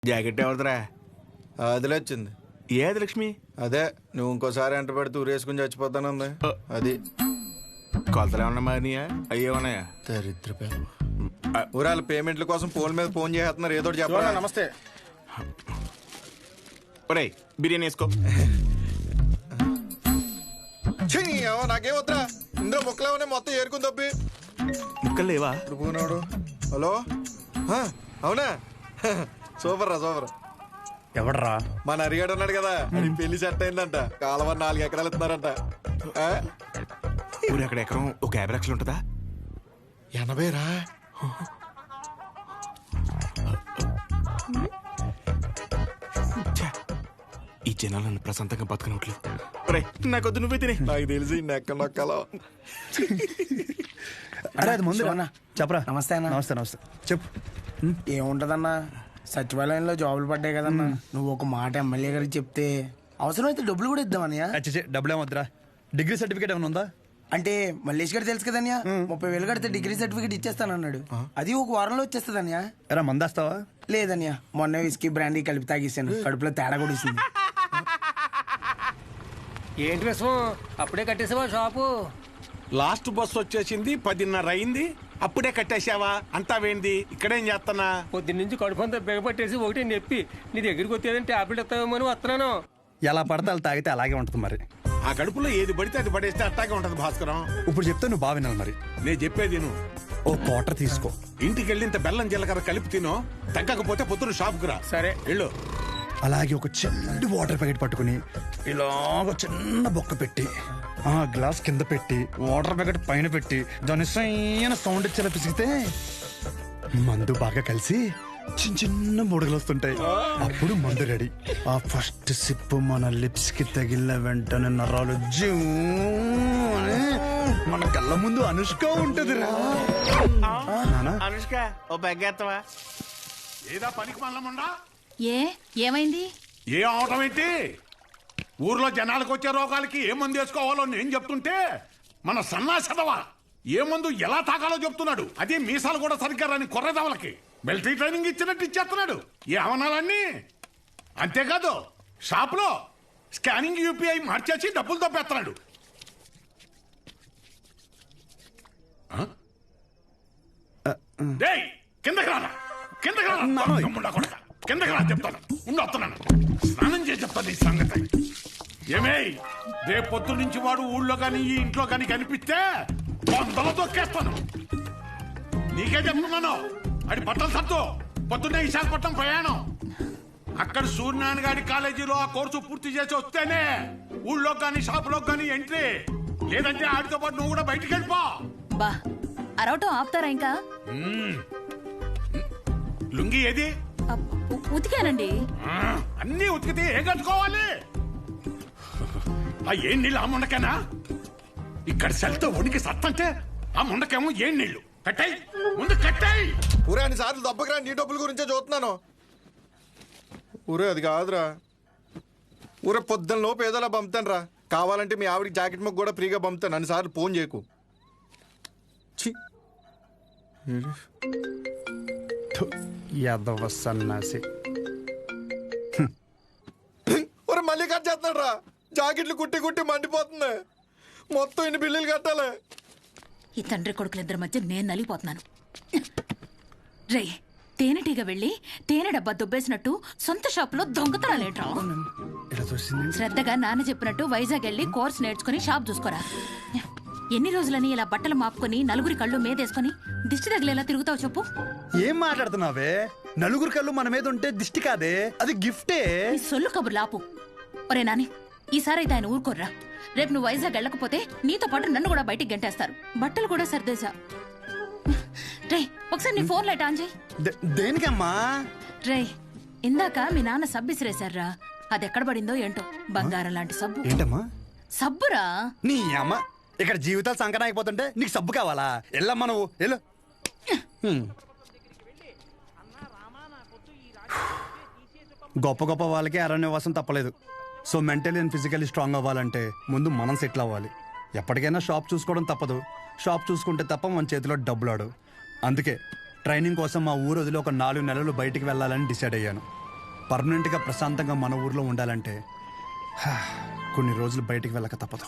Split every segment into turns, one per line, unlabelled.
Jacket ఎవరిదిరా?
అదిలే వచ్చింది.
ఏది లక్ష్మి?
అదే నువ్వు ఇంకోసారి ఎంట పెడితే ఊరేసుకుని చచ్చిపోతానుంది. అది
కొలతలు ఏమన్నా మారినాయా? అయ్యే ఉన్నాయా?
దరిద్ర ఊరాల పేమెంట్ల కోసం ఫోన్ మీద ఫోన్ చేస్తున్నారు. ఏదో చెప్పాలి.
నమస్తే.
ఒరే బిర్యానీ వేసుకో.
నాకేం వద్దురా, ఇందులో ముక్కలేమనే మొత్తం ఏరుకుని తప్పి.
ముక్కలు లేవా?
పోనాడు. హలో, అవునా? సూపర్ రా, సూపర్.
ఎవడరా?
మన అరిగాడు ఉన్నాడు కదా, అది పెళ్లి సెట్ అయిందంట. కాలువ 4 ఎకరాలు ఇస్తున్నారంట.
ఊరు అక్కడ ఎకరం ఒక 50 లక్షలు ఉంటుందా?
80 రా.
ఈ జనాలు నన్ను ప్రశాంతంగా బతకనట్లు. నాకొద్దు, నువ్వే తినే.
నాకు తెలిసి నెక్క నొక్కలో.
అరే అది ముందు చెప్పరా.
నమస్తే అన్న.
నమస్తే నమస్తే. చెప్పు.
ఏముంటదన్నా, సచివాలయంలో జాబులు పడ్డాయి కదన్నా. నువ్వు ఒక మాట ఎమ్మెల్యే గారికి చెప్తే అవసరమైతే డబ్బులు కూడా ఇద్దామన్నయ్య.
డబ్బులు ఏమొద్దురా. డిగ్రీ సర్టిఫికేట్ ఏమైనా ఉందా?
అంటే మల్లేష్ గారు తెలుసు కదన్యా, 30,000 కడితే డిగ్రీ సర్టిఫికేట్ ఇచ్చేస్తానన్నాడు. అది ఒక వారంలో వచ్చేస్తుందన్యా.
ఎరా మందేస్తావా?
లేదన్యా, మొన్న విస్కీ బ్రాండీ కలిపి తాగేసాను. కడుపులో తేడా కూడా ఇస్తుంది.
ఏంటి విషయం? అప్పుడే కట్టేసావా షాపు?
లాస్ట్ బస్ వచ్చేసింది, 10:30 అయింది. అప్పుడే కట్టేశావా? అంతా వేంది? ఇక్కడేం చేస్తానా?
పొద్దున్నుంచి కడుపు అంతా బిగపట్టేసి ఒకటి నొప్పి. నీ దగ్గరికి వచ్చేదని టాబ్లెట్ ఇస్తావేమో అని వస్తున్నాను.
ఎలా పడితే అలా తాగితే అలాగే ఉంటుంది మరి.
ఆ కడుపులో ఏది పడితే అది పడేస్తే అట్టాగే ఉంటది భాస్కరం.
ఇప్పుడు చెప్తే నువ్వు బాగా వినాలి మరి.
నేను చెప్పేది నువ్వు
ఓ క్వార్టర్ తీసుకో.
ఇంటికి వెళ్ళి ఇంత బెల్లం జీలకర్ర కలిపి తినో. తగ్గకపోతే పొద్దున షాప్కి రా.
సరే
వెళ్ళు.
అలాగే ఒక చిన్న వాటర్ ప్యాకెట్ పట్టుకుని ఇలాగ చిన్న బొక్క పెట్టి ఆ గ్లాస్ కింద పెట్టి వాటర్ ప్యాకెట్ పైన పెట్టి దాని సైన సౌండ్ ఇచ్చేలా పిసిగితే మందు బాగా కలిసి చిన్న చిన్న బుడగలు వస్తుంటాయి. అప్పుడు మందు రెడీ. ఆ ఫస్ట్ సిప్ మన లిప్స్ కి తగిలిన వెంటనే నరాలు జూ అని మన కళ్ళ ముందు అనుష్క ఉంటది రా.
అనుష్క ఓ బెగ్గేత్తవా? ఏదా పనికి మల్లముండా?
ఏమైంది?
ఏ అవటం ఏంటి? ఊర్లో జనాలకు వచ్చే రోగాలకి ఏ మందు వేసుకోవాలో నేను చెప్తుంటే మన సన్నాసదవా ఏ మందు ఎలా తాగాలో చెప్తున్నాడు. అదే మీసాలు కూడా సరిగ్గా రాని కొర్రదవలకి మిలిటరీ ట్రైనింగ్ ఇచ్చినట్టు ఇచ్చేస్తున్నాడు. ఏ అవనాలన్నీ అంతేకాదు, షాప్లో స్కానింగ్ యూపీఐ మార్చేసి డబ్బులు తప్పేస్తున్నాడు. కిందకి రానా, కిందకి రానా, కిందకి రా చెప్తాను. వస్తున్నాను, స్నానం చేసి చెప్తాను ఈ సంగతి. ఏమే రేపు పొద్దు నుంచి వాడు ఊళ్ళో కానీ ఈ ఇంట్లో కానీ కనిపిస్తే బొందలు తొక్కేస్తాను. నీకే చెప్తున్నాను. అది బట్టలు సత్తు పొద్దున్నే విశాఖపట్నం ప్రయాణం. అక్కడ సూర్యనారాయణ గారి కాలేజీలో ఆ కోర్సు పూర్తి చేసి వస్తేనే ఊళ్ళో కానీ షాపులో కానీ ఎంట్రీ. లేదంటే ఆడితో పాటు నువ్వు కూడా బయటికి వెళ్ళిపో.
బా అరవటం ఆపుతారా ఇంకా?
లుంగి ఏది?
ఉతికానండి.
అన్నీ ఉతికితే ఏం కట్టుకోవాలి? ఆ ఏం నీళ్ళు ఆ ముండకేనా? ఇక్కడ సెల్తో ఉనికి సత్తంటే ఆ ముండకేమో ఏం నీళ్లు? కట్టాయి ముందు కట్టాయి.
ఊరే అన్ని సార్లు దెబ్బకిరా, నీ డబ్బుల గురించే చూస్తున్నాను. ఊరే అది కాదురా. ఊరే పొద్దున్న లోపు ఏదోలా పంపుతాను రా. కావాలంటే మీ ఆవిడకి జాకెట్ ముక్క కూడా ఫ్రీగా పంపుతాను. అన్నిసార్లు ఫోన్ చేయకు.
యాదవ సన్నాసి.
ఒరే మళ్ళీ కట్ చేస్తున్నాడు రా. జాకెట్లు కుట్టి కుట్టి మండిపోతుంది. మొత్తం ఇన్ని బిల్లులు కట్టాలి.
ఈ తండ్రి కొడుకులిద్దరి మధ్య నేను నలిగిపోతున్నాను. రే తేనెటీగ వెళ్ళి తేనె డబ్బా దుబ్బేసినట్టు సొంత షాపులో దొంగతనాలేట్రా? శ్రద్ధగా నాన్న చెప్పినట్టు వైజాగ్ వెళ్ళి కోర్స్ నేర్చుకుని షాప్ చూసుకోరా. ఎన్ని రోజులని ఇలా బట్టలు మాపుకొని నలుగురి కళ్ళు మీదేసుకొని దిష్టి తగిలేలా తిరుగుతావు చెప్పు?
ఏం మాట్లాడుతున్నావే? నలుగురు కళ్ళు మన మీద ఉంటే దిష్టి కాదే, అది గిఫ్టే.
ఈ సొల్లు కబుర్లు ఆపు. ఒరే నాని, ఈసారైతే ఆయన ఊరుకోర్రా. రేపు నువ్వు వైజాగ్ వెళ్ళకపోతే నీతో పాటు నన్ను కూడా బయటికి గంటేస్తారు. బట్టలు కూడా సర్దేశా. రే ఒకసారి నీ ఫోన్ లైట్ ఆన్ చేయి.
దేనికమ్మా?
రే ఇందాక మీ నాన్న సబ్బు ఇసిరేశారా, అది ఎక్కడ పడిందో ఏంటో. బంగారం లాంటి సబ్బు.
ఏంటమ్మా?
సబ్బురా.
నీ అమ్మ ఇక్కడ జీవితాలు సంకటం అయిపోతుంటే నీకు సబ్బు కావాలా? వెళ్ళమ్మా నువ్వు వెళ్ళు. గొప్ప గొప్ప వాళ్ళకి అరణ్యవాసం తప్పలేదు. So mentally and physically strong అవ్వాలంటే ముందు మనం సెటిల్ అవ్వాలి. ఎప్పటికైనా షాప్ చూసుకోవడం తప్పదు. షాప్ చూసుకుంటే తప్ప మన చేతిలో డబ్బులు ఆడు. అందుకే ట్రైనింగ్ కోసం మా ఊరు వదిలి ఒక 4 నెలలు బయటికి వెళ్ళాలని డిసైడ్ అయ్యాను. పర్మనెంట్గా ప్రశాంతంగా మన ఊర్లో ఉండాలంటే కొన్ని రోజులు బయటికి వెళ్ళక తప్పదు.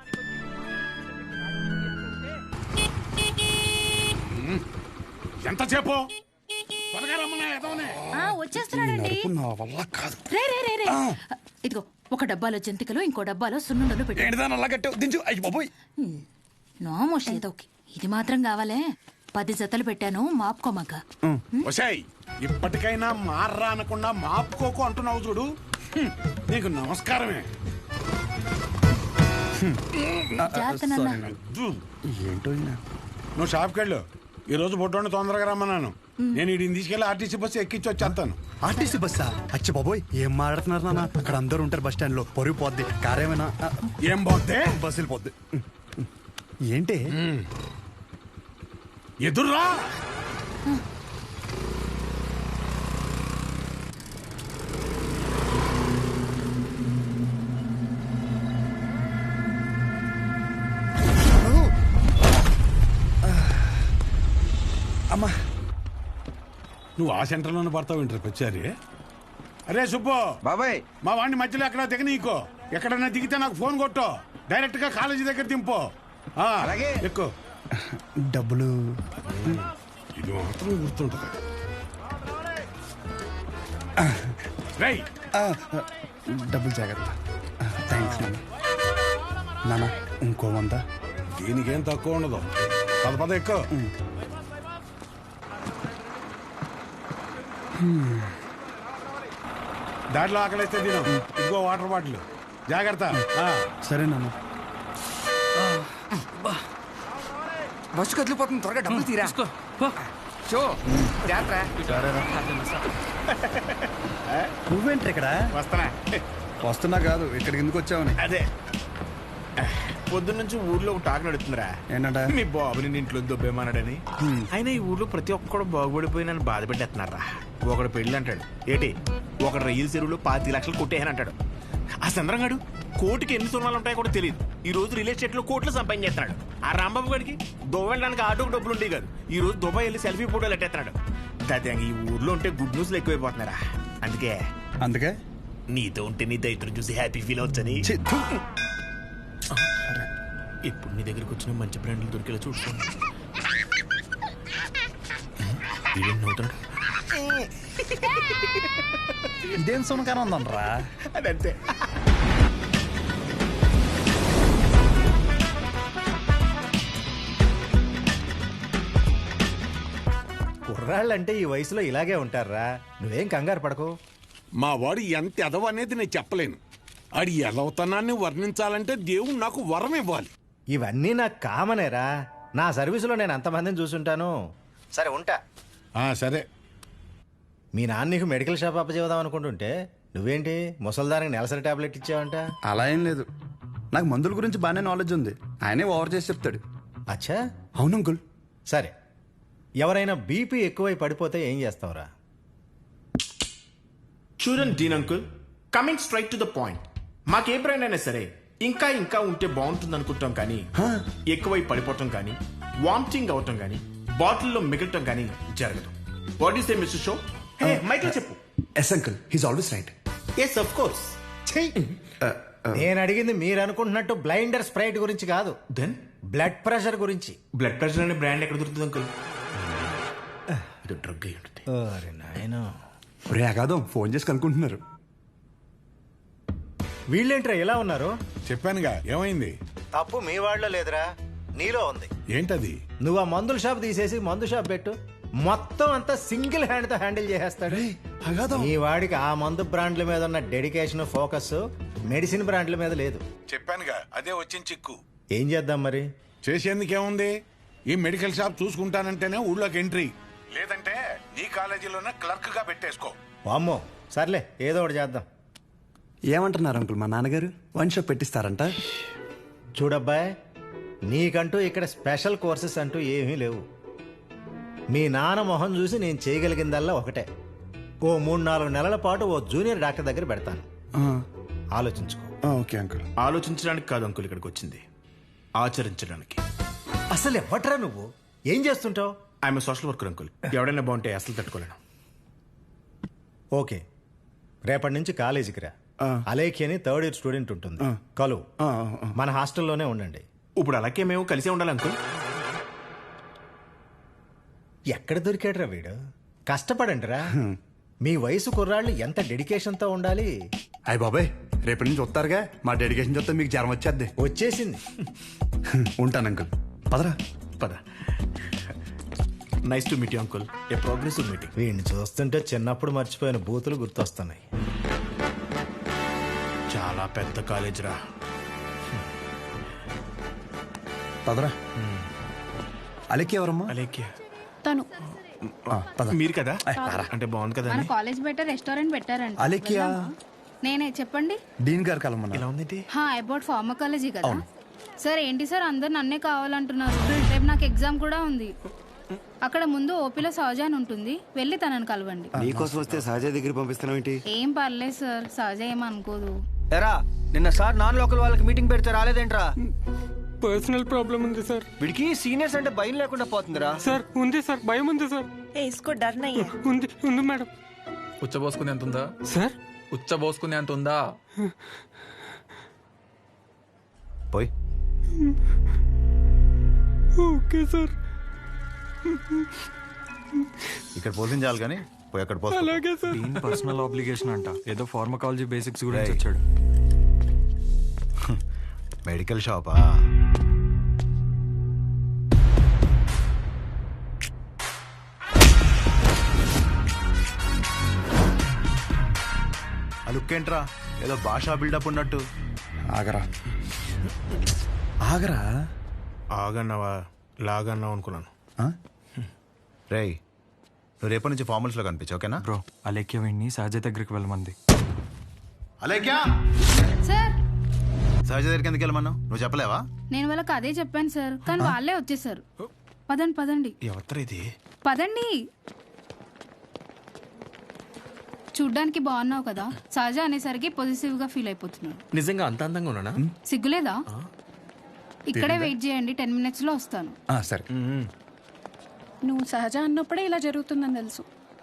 ఎంతసేపు త్వరగా రమ్మన్నా ఎదవనే.
వచ్చేస్తున్నాడండి.
నడుపు నా వల్ల కాదు.
రే రే రే రే ఇదిగో ఒక డబ్బాలో జంతికలు ఇంకో డబ్బాలో సున్నుండలు పెట్టి
ఏంటిదాని అలా కట్టావు? దించు. అయ్యి బాబోయ్.
నోమోష్ ఏదోకి ఇది మాత్రం కావాలే. 10 జతలు పెట్టాను మాపుకోమాక.
ఒసేయ్ ఇప్పటికైనా మార్రా అనకుండా మాపుకోకు అంటున్నావు చూడు. నీకు నమస్కారమే.
ఏంటో ఈయన.
నువ్వు షాప్కి వెళ్ళు. ఈ రోజు బొడ్డోని తొందరగా రమ్మన్నాను. నేను వీడిని తీసుకెళ్ళి ఆర్టీసీ బస్సు ఎక్కించి వచ్చేస్తాను.
ఆర్టీసీ బస్సా? అచ్చి బాబోయ్, ఏం మాట్లాడుతున్నారు నాన్న? అక్కడ అందరూ ఉంటారు బస్ స్టాండ్ లో. పొరుగు పోద్ది. కారేమైనా
ఏం పోతే
బస్సులు పోద్ది. ఏంటి
ఎదుర్రా.
అమ్మా,
నువ్వు ఆ సెంటర్లోనే పడతావు ఇంటర్ వచ్చారి. అరే సుబ్బు
బాబాయ్,
మా వాడిని మధ్యలో ఎక్కడ దిగ నీకో. ఎక్కడన్నా దిగితే నాకు ఫోన్ కొట్టు. డైరెక్ట్ గా కాలేజీ దగ్గర దింపు.
అలాగే.
ఎక్కువ
డబ్బులు
ఇది మాత్రం గుర్తుంటుంది. రేయ్
డబ్బులు జాగ్రత్త. థ్యాంక్స్ నాన్న. నాన్న ఇంకో 100.
దీనికేం తక్కువ ఉండదు. పద ఎక్కువ. దాంట్లో ఆకలిస్తే తిను. ఇదిగో వాటర్ బాటిల్. జాగ్రత్త.
సరే నాన్న.
బస్సు కదిలిపోతుంది, త్వరగా డబ్బులు తీరా. షో
నువ్వేంటి ఇక్కడ?
వస్తానా?
వస్తున్నా కాదు, ఇక్కడికి ఎందుకు వచ్చావని.
అదే పొద్దున్నుంచి ఊర్లో ఒక టాక్ నడుతుందిరా.
ఏంటంట?
మీ బాబుని ఇంట్లో దొబ్బేమన్నాడని. అయినా ఈ ఊర్లో ప్రతి ఒక్కడు బాగుపడిపోయి నన్ను బాధ పెట్టేస్తున్నారా. ఒకడు పెళ్ళి అంటాడు ఏటి, ఒకడు రైలు చెరువులో 25 లక్షలు కొట్టేయని అంటాడు. ఆ చంద్రంగాడు కోటికి ఎన్ని సున్నాలు ఉంటాయో కూడా తెలియదు. ఈ రోజు రియల్ ఎస్టేట్ లో కోట్లు సంపాదించేస్తున్నాడు. ఆ రాంబాబు గారికి దుబాయ్ వెళ్ళడానికి ఆటోకి డబ్బులు ఉంటాయి కాదు. ఈ రోజు దుబాయ్ వెళ్ళి సెల్ఫీ ఫోటోలు ఎట్టేస్తున్నాడు. దాదాపు ఈ ఊర్లో ఉంటే గుడ్ న్యూస్లు ఎక్కువైపోతున్నారా. అందుకే నీతో ఉంటే నీ దైత్రం చూసి హ్యాపీ ఫీల్ అవచ్చని. ఇప్పుడు నీ దగ్గరకు వచ్చిన మంచి బ్రాండ్లు దొరికేలా చూసుకోండి.
ఇదేం సునకారం ఉందనరా?
అదంతే.
కుర్రాళ్ళంటే ఈ వయసులో ఇలాగే ఉంటారా. నువ్వేం కంగారు పడకు.
మా వాడు ఎంత ఎదవ అనేది నేను చెప్పలేను. ఆడి ఎదవతనాన్ని వర్ణించాలంటే దేవుడు నాకు వరం ఇవ్వాలి.
ఇవన్నీ నాకు కామనేరా. నా సర్వీసులో నేను అంతమందిని చూసుంటాను. సరే ఉంటా.
సరే.
మీ నాన్న నీకు మెడికల్ షాప్ అప్పచేద్దాం అనుకుంటుంటే నువ్వేంటి ముసల్దానికి నెలసరి టాబ్లెట్ ఇచ్చావంట?
అలా ఏం లేదు. నాకు మందుల గురించి బాగానే నాలెడ్జ్ ఉంది. ఆయనే ఓవర్ చేసి చెప్తాడు.
అచ్చా,
అవును అంకుల్.
సరే, ఎవరైనా బీపీ ఎక్కువై పడిపోతే ఏం చేస్తావురా?
చూడండి dean uncle, coming straight to the point. మాకే బ్రాండ్ అయినా సరే ఇంకా ఇంకా ఉంటే బాగుంటుంది అనుకుంటాం, కానీ ఎక్కువై పడిపోవటం కానీ వామిటింగ్ అవటం కానీ బాటిల్లో మిగలటం కానీ జరగదు. What is the mister show? మైక్లో చెప్పు.
Yes uncle, he's always right.
Yes of course.
నేను అడిగింది మీరు అనుకుంటున్నట్టు బ్లైండర్ స్ప్రైట్ గురించి కాదు.
దెన్
బ్లడ్ ప్రెషర్ గురించి.
బ్లడ్ ప్రెషర్ అనే బ్రాండ్ ఎక్కడ దొరుకుతుంది అంకుల్? ఇది డ్రగ్ అయి ఉంటుంది.
అరే నాయనా,
రే అగాదం ఫోన్ చేసి కనుక్కుంటున్నారు.
వీళ్ళేంట్రా ఇలా ఉన్నారు?
చెప్పానుగా ఏమైంది.
తప్పు మీ వాళ్ళలో లేదురా, నీలో ఉంది.
ఏంటది?
నువ్వు ఆ మందుల షాప్ తీసేసి మందు షాప్ పెట్టు, మొత్తం అంతా సింగిల్ హ్యాండ్ తో హ్యాండిల్ చేసేస్తాడు. ఈ వాడికి ఆ మందు బ్రాండ్ల మీద ఉన్న డెడికేషన్, ఫోకస్ మెడిసిన్ బ్రాండ్ల మీద లేదు.
చెప్పానుగా అదే వచ్చిన చిక్కు.
ఏం చేద్దాం మరి?
చేసేందుకేముంది, ఈ మెడికల్ షాప్ చూసుకుంటానంటేనే ఊళ్ళోకి ఎంట్రీ, లేదంటే నీ కాలేజీలోనే క్లర్క్ గా పెట్టేసుకో.
వామ్మో, సర్లే ఏదో ఒకటి చేద్దాం.
ఏమంటున్నారు అంకుల్? మా నాన్నగారు వన్ షాప్ పెట్టిస్తారంట.
చూడబ్బాయ్, నీకంటూ ఇక్కడ స్పెషల్ కోర్సెస్ అంటూ ఏమీ లేవు. మీ నాన్న మొహం చూసి నేను చేయగలిగిందల్లా ఒకటే, ఓ 3-4 నెలల పాటు ఓ జూనియర్ డాక్టర్ దగ్గర పెడతాను. ఆలోచించుకో.
Okay uncle.
ఆలోచించడానికి కాదు అంకుల్ ఇక్కడికి వచ్చింది, ఆచరించడానికి.
అసలు ఎవట్రా నువ్వు? ఏం చేస్తుంటావు?
I'm social worker uncle. ఎవడైనా బాగుంటే అసలు తట్టుకోలేను.
ఓకే, రేపటి నుంచి కాలేజీకి రా. అలేఖి అని థర్డ్ ఇయర్ స్టూడెంట్ ఉంటుంది, కలువు. మన హాస్టల్లోనే ఉండండి.
ఇప్పుడు అలాగే మేము కలిసే ఉండాలి అంకుల్.
ఎక్కడ దొరికాడురా వీడు? కష్టపడండి రా. మీ వయసు కుర్రాళ్ళు ఎంత డెడికేషన్తో ఉండాలి.
అయ్య బాబాయ్, రేపటి నుంచి వస్తారుగా, మా డెడికేషన్ చూస్తే మీకు జ్వరం వచ్చేద్ది.
వచ్చేసింది.
ఉంటాను అంకుల్. పదరా.
పద. Nice to meet you uncle. A progressive meeting.
వీడిని చూస్తుంటే చిన్నప్పుడు మర్చిపోయిన బూతులు గుర్తొస్తున్నాయి.
చాలా పెద్ద కాలేజ్ రా.
పదరా. అలెక్కి ఎవరమ్మా?
అలేఖ్య
తను
మీరు కదా? అంటే బాగుంది కదా
మన
అని.
కాలేజ్ బయట రెస్టారెంట్ పెట్టారంట.
అలెక్కియా?
నేనే చెప్పండి.
డీన్ గారు కలమన్నా.
ఇలా ఉంది.
అబౌట్ ఫార్మకాలజీ కదా సార్. ఏంటి సార్ అందరు నన్నే కావాలంటున్నారు? రేపు నాకు ఎగ్జామ్ కూడా ఉంది. అక్కడ ముందు ఓపీలో సహజ అని ఉంటుంది, వెళ్ళి తనని కలవండి.
నీకోసం వస్తే సహజ దగ్గర పంపిస్తున్నావు ఏంటి?
ఏం పర్లేదు సార్, సహజ ఏమనుకోదు.
ఎరా నిన్న సార్ నాన్ లోకల్ వాళ్ళకి మీటింగ్ పెడితే రాలేదేంట్రా?
పర్సనల్ ప్రాబ్లం ఉంది సార్.
వీడికి సీనియర్స్ అంటే భయం లేకుండా పోతుందిరా.
సార్ ఉంది సార్, భయం ఉంది సార్. ఉంది ఉంది మేడం.
ఉచ్చబోసుకునే అంత ఉందా
సార్?
ఉచ్చబోసుకునే అంత ఉందా?
పోయి.
Okay sir.
ఇక్కడ పోతుంది చాలు కానీ పోయి అక్కడ పోతా.
అలాగే సార్.
దీని పర్సనల్ ఆబ్లిగేషన్ అంట. ఏదో ఫార్మకాలజీ బేసిక్స్ గురించి వచ్చాడు.
మెడికల్ షాపా? ఆ లుక్ ఏంట్రా, ఏదో భాషా బిల్డప్ ఉన్నట్టు.
ఆగరా ఆగరా.
ఆగన్నావా లాగన్నావు అనుకున్నాను.
రేయ్, నువ్వు రేపటి నుంచి ఫార్మల్స్లో కనిపించు, ఓకేనా?
బ్రో అలేఖ్య వీడిని సహజ దగ్గరికి వెళ్ళమంది.
అలేఖ్యా,
సార్
సహజ దగ్గరికి ఎందుకు వెళ్ళమన్నావు? నువ్వు చెప్పలేవా?
నేను వాళ్ళకి అదే చెప్పాను సార్, కానీ వాళ్ళే వచ్చేసారు. పదండి పదండి
ఎవరు ఇది?
పదండి. చూడ్డానికి బాగున్నావు కదా, సహజ అనేసరికి పొజిటివ్ గా ఫీల్ అయిపోతున్నాడు.
నిజంగా అంత అందంగా ఉన్నానా?
సిగ్గులేదా? ఇక్కడే వెయిట్ చేయండి, 10 minutes లో వస్తాను.
సరే.
నువ్వు సహజ అన్నప్పుడే ఇలా జరుగుతుందని తెలుసు.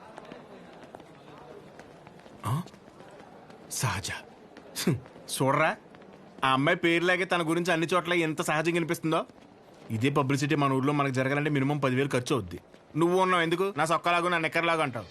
సహజ చూడరా, ఆ అమ్మాయి పేరులాగే తన గురించి అన్ని చోట్ల ఎంత సహజంగా అనిపిస్తుందో. ఇదే పబ్లిసిటీ మన ఊర్లో మనకు జరగాలంటే మినిమం 10,000 ఖర్చు అవుద్ది. నువ్వు ఉన్నావు ఎందుకు? నా సొక్కలాగా నా నెక్కర్లాగా అంటావు.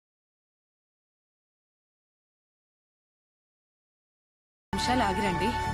నిమిషాలు ఆగిరండి.